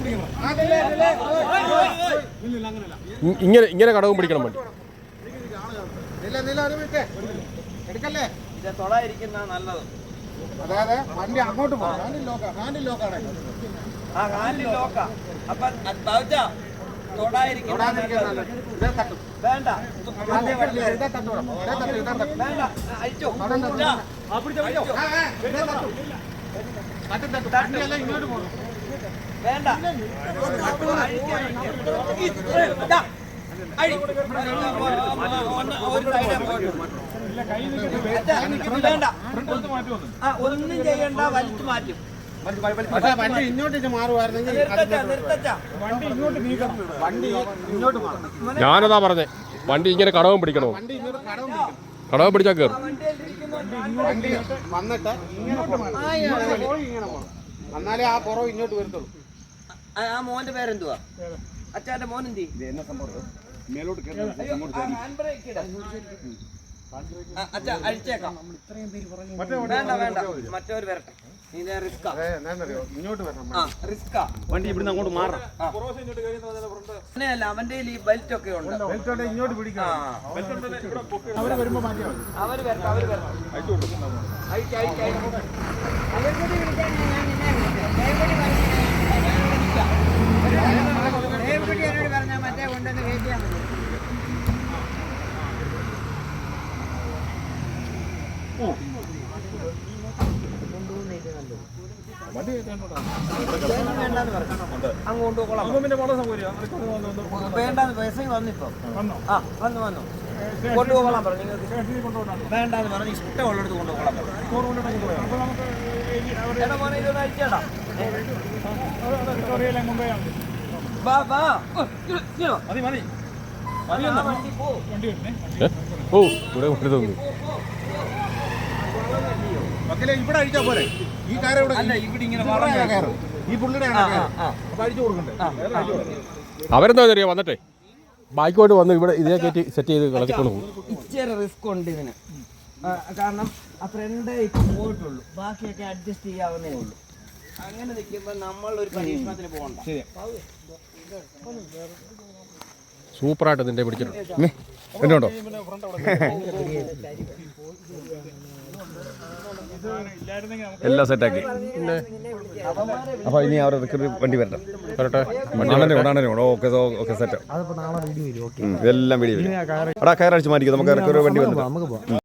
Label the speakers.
Speaker 1: ഇങ്ങനെ കടവും പിടിക്കണം വണ്ടി.
Speaker 2: എടുക്കല്ലേ തൊടായിരിക്കുന്ന നല്ലത്. അതായത് വണ്ടി അങ്ങോട്ട് പോകാം. ഹാൻഡിൽ ലോക്കാണ്. ആ ഹാൻഡിൽ ലോക്കാ. അപ്പൊ വേണ്ട ഇങ്ങോട്ട് പോകണം. വേണ്ട ഒന്നും ചെയ്യണ്ട, വലിച്ചു മാറ്റും. വണ്ടി ഇങ്ങോട്ട് മാറുമായിരുന്നെങ്കിൽ
Speaker 1: ഞാനതാ പറഞ്ഞേ, വണ്ടി ഇങ്ങനെ കടവും പിടിക്കണോ? കടവും പിടിച്ചാൽ കയറും.
Speaker 2: വന്നിട്ട് എന്നാലേ ആ പുറവ് ഇങ്ങോട്ട് വരത്തുള്ളൂ. ആ മോന്റെ പേരെന്തുവാ? അച്ഛന്റെ മോൻ എന്തി? അച്ഛാ അഴിച്ചേക്കാം. വേണ്ട വേണ്ട, മറ്റവര് വരട്ടെ. വണ്ടി ഇവിടുന്ന് അങ്ങോട്ട് മാറാം. അങ്ങനെയല്ല, അവന്റെ ഈ ബെൽറ്റ് ഒക്കെ ഉണ്ട്. ഇങ്ങോട്ട് പിടിക്കാം. അവര് വരുമ്പോ അവര് വരട്ടെ. പറഞ്ഞാൽ മറ്റേ കൊണ്ടുവന്ന് കയറ്റിയാൽ മതി. അങ്ങോട്ട് വേണ്ടാന്ന് മെസ്സേജ് വന്നിപ്പോ. ആ വന്നു കൊണ്ടുപോകോളാൻ പറഞ്ഞു. നിങ്ങൾക്ക് വേണ്ടാന്ന് പറഞ്ഞു. ഇഷ്ടമുള്ളടത്ത് കൊണ്ടുപോകോളാൻ പറഞ്ഞു. മോനെ ഇതൊന്ന് അയച്ചേടാ. ഇവിടെ അഴിച്ചാ പോരെ. ഈ കാര്യം ഇവിടെ ഇങ്ങനെ ഈ പുള്ളിയുടെ അഴിച്ചു കൊടുക്കണ്ടേ?
Speaker 1: അവരെന്താ അറിയാം, വന്നിട്ടേ ബൈക്കോട്ട് വന്ന് ഇവിടെ ഇതേ കയറ്റി സെറ്റ് ചെയ്ത് കളത്തിക്കൊണ്ട് പോകും.
Speaker 2: ഇച്ചിരി റിസ്ക് ഉണ്ട് ഇതിന്. കാരണം ആ ഫ്രണ്ട് ഇപ്പൊ പോയിട്ടുള്ളൂ, ബാക്കിയൊക്കെ അഡ്ജസ്റ്റ് ചെയ്യാവുന്നേ ഉള്ളൂ. അങ്ങനെ നിൽക്കുമ്പോൾ നമ്മൾ ഒരു പരീക്ഷണത്തിന് പോകണ്ട.
Speaker 1: സൂപ്പറായിട്ട് നിന്റെ പിടിച്ചിട്ടുണ്ട്. എന്നുണ്ടോ? എല്ലാം സെറ്റാക്കി.
Speaker 3: അപ്പൊ ഇനി അവരെ വണ്ടി വരട്ടെ. Okay set. ഇതെല്ലാം വീഡിയോ. എടാ കയറടിച്ച് മാറ്റിക്കും. നമുക്ക് വണ്ടി വന്നു.